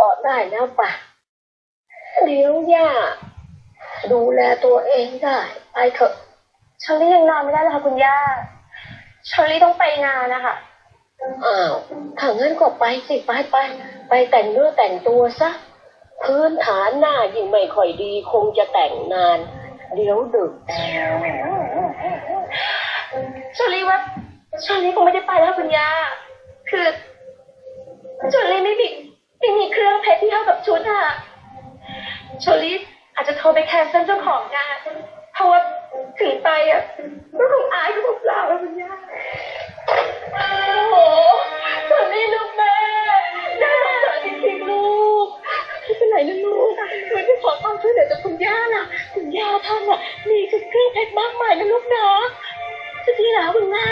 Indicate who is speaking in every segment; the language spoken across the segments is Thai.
Speaker 1: ได้แล้วป่ะเดี๋ยวย่าดูแลตัวเองได้ไปเถอะ
Speaker 2: เชอรี่ยังนอนไม่ได้เลยค่ะคุณย่าเชอรี่ต้องไปงานนะคะ
Speaker 1: อ้าวถ้างั้นก็ไปสิไปแต่งเนื้อแต่งตัวซะพื้นฐานหน้ายิ่งไม่ค่อยดีคงจะแต่งนานเดี๋ยวดึก
Speaker 2: เชอรี่ว่าเชอรี่คงไม่ได้ไปแล้วคุณย่าคือเชอรี่ไม่มีเครื่องเพชรที่เข้ากับชุดอะเชอรี่อาจจะโทรไปแคนเซิลเจ้าของงานเพราะว่าถึงไปอ่ะก็คงอายก็เปล่าแล้วคุณย่าโอ้โหเชอรี่ลูกแม่น่าสงสารจริงๆลูกไม่เป็นไรนะลูกวันที่ขอความช่วยเหลือจากคุณย่าน่ะคุณย่าท่านอ่ะมีเครื่องเพชรมากมายนะลูกนะจะดีแล้วคุณแม่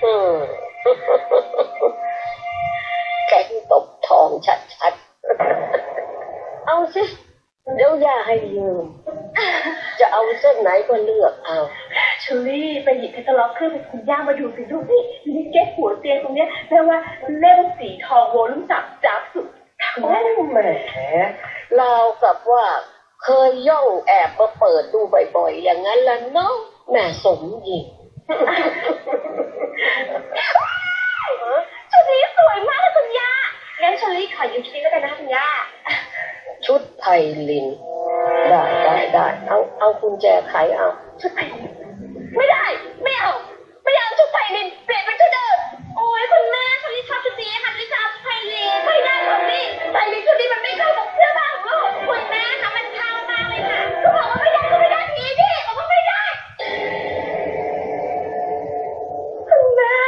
Speaker 1: แกงตบทองชัดๆเอาสิเดี๋ยวย่าให้ยืมจะเอาเส้นไหนก็เลือกเอา
Speaker 2: เชอรี่ไปหยิบแคตตาล็อกเครื่องเพชรคุณย่ามาดูสิลูกนี่มีแก้หัวเตียงตรงเนี้ยแปลว่าเล่มสีทองโวลุ่มจับสุด
Speaker 1: โอ้แหมราวกับว่าเคยย่องแอบมาเปิดดูบ่อยๆอย่างนั้นละเนาะแม่สมหญิง
Speaker 2: ชุดนี้สวยมากเลยคุณย่างั้นเชอรี่ขอยืมชุดนี้แล้วกันนะคุณย่า
Speaker 1: ชุดไทยลินได้เอากุญแจไขเอา
Speaker 2: ชุดไทยลินไม่ได้ไม่เอาชุดไทยลินเปลี่ยนเป็นชุดเดิมโอ้ยคุณแม่เชอรี่ชอบชุดนี้ค่ะเชอรี่ชอบชุดไทยลินไม่ได้ค่ะนี่ไทยลินชุดนี้มันไม่เข้ากับเสื้อผ้าของลูกคุณแม่ค่ะมันเข้ามากเลยค่ะก็บอกว่าไม่ได้ทีนี่บอกว่าไม่ได้คุณแม่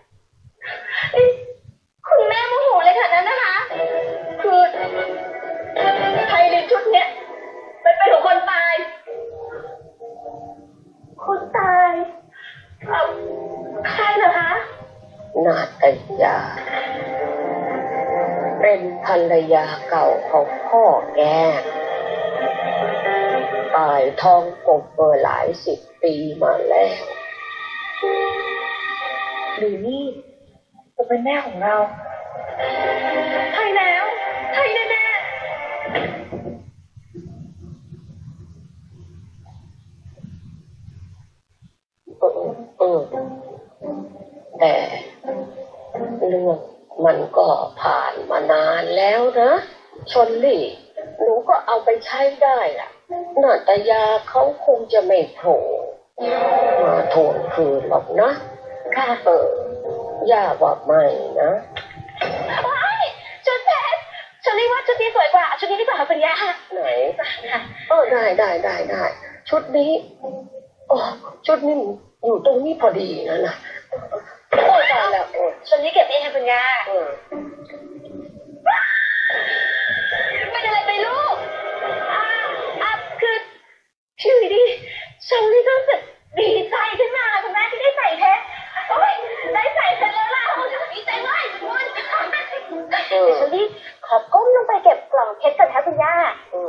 Speaker 2: คุณแม่โมโหเลยค่ะนั้นนะคะคือไทยลินชุดเนี้ยเป็นของคนตายใครเหรอคะ
Speaker 1: นาตยาเป็นภรรยาเก่าของพ่อแกตายท้องกบหลาย10 ปีมาแล้ว
Speaker 2: หรือนี่จะเป็นแม่ของเราใช่แล้วใช่แน่
Speaker 1: แต่เรื่องมันก็ผ่านมานานแล้วนะชลลี่หนูก็เอาไปใช้ได้ล่ะนาตยาเขาคงจะไม่โผล่มาทวงคืนหรอกนะ
Speaker 2: ค่ะ
Speaker 1: ย่าว่าไม่นะ
Speaker 2: ชุดเพชรชลลี่ว่าชุดนี้สวยกว่าชุดนี้ดีกว่าคุณย่า
Speaker 1: ไหนได้ชุดนี้ชุดนี้อยู่ตรงนี้พอดีนะ
Speaker 2: โอ้ยตายแล้วชุดนี้เก็บเองค่ะคุณย่าเป็นอะไรไปลูกคือชื่อดีชลลี่ก็รู้สึกดีใจขึ้นมาคุณแม่ที่ได้ใส่เพชรโอ้ยได้ใส่เพชรแล้วล่ะโอ้ยดีใจมากคุณเดี๋ยวชลลี่ขอก้มลงไปเก็บกล่องเพชรก่อนค่ะคุณย่า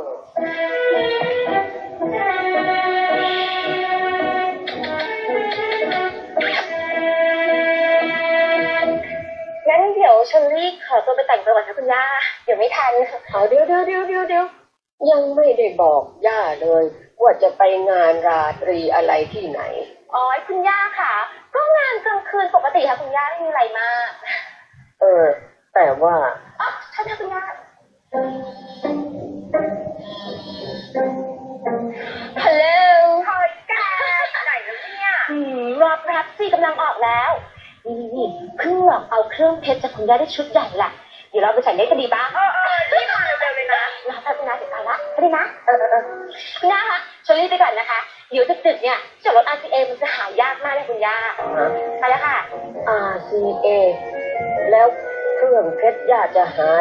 Speaker 2: งั้นเดี๋ยวเชอรี่ขอตัวไปแต่งตัวก่อนค่ะคุณย่าเดี๋ยวไม่ทัน
Speaker 1: เดี๋ยวยังไม่ได้บอกย่าเลยว่าจะไปงานราตรีอะไรที่ไหน
Speaker 2: อ๋อคุณย่าค่ะก็งานกลางคืนปกติค่ะคุณย่าไม่มีอะไรมาก
Speaker 1: แต่ว่า
Speaker 2: ใช่ค่ะคุณย่าฮัลโหลคอยกันไหนแล้วเนี่ยรับสิกำลังออกแล้วนี่เพิ่งหลอกเอาเครื่องเพชรจากคุณย่าได้ชุดใหญ่ละเดี๋ยวเราไปใส่ได้กันดีบ้างรีบมาเร็วๆเลยนะรอแป๊บนึงนะเดี๋ยวไปละไปเลยนะคุณย่าคะเชอรี่ไปก่อนนะคะเดี๋ยวดึกๆเนี่ยจอดรถ RCA มันจะหายากมากเลยคุณย่าไปแล้วค่ะ
Speaker 1: RCA แล้วเครื่องเพชรย่าจะหา